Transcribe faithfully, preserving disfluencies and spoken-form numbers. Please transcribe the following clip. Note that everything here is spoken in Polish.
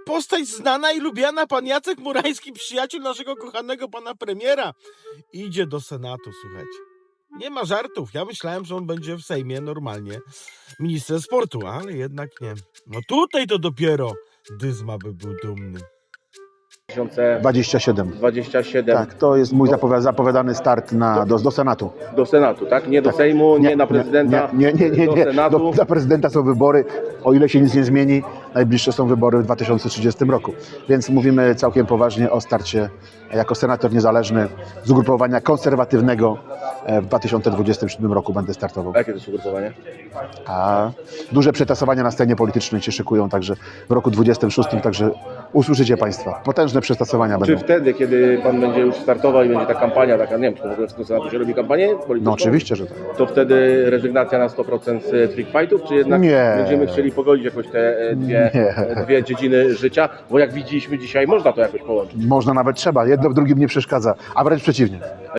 postać znana i lubiana, pan Jacek Murański, przyjaciel naszego kochanego pana premiera, idzie do Senatu, słuchajcie. Nie ma żartów. Ja myślałem, że on będzie w Sejmie normalnie ministrem sportu, ale jednak nie. No tutaj to dopiero Dyzma by był dumny. dwadzieścia siedem. dwadzieścia siedem. Tak, to jest mój zapowi- zapowiadany start na, do, do Senatu. Do Senatu, tak? Nie do Sejmu, nie, na prezydenta, Nie, nie, nie, nie, do nie. Senatu. Do, dla prezydenta są wybory, o ile się nic nie zmieni, najbliższe są wybory w dwa tysiące trzydziestym roku. Więc mówimy całkiem poważnie o starcie jako senator niezależny z ugrupowania konserwatywnego. W dwa tysiące dwudziestym siódmym roku będę startował. A jakie to jest ugrupowanie? A duże przetasowania na scenie politycznej się szykują także w roku dwudziestym szóstym, także usłyszycie Państwa. Potężne przetasowania Czy będą. wtedy, kiedy Pan będzie już startował i będzie ta kampania, taka, nie wiem, czy to w ogóle w tym Senatu się robi kampanię polityczną? No oczywiście, że tak. To wtedy rezygnacja na sto procent z freak fightów, czy jednak Nie. będziemy chcieli pogodzić jakoś te e, dwie, Nie. e, dwie dziedziny życia? Bo jak widzieliśmy dzisiaj, można to jakoś połączyć. Można, nawet trzeba. Jedno w drugim nie przeszkadza, a wręcz przeciwnie.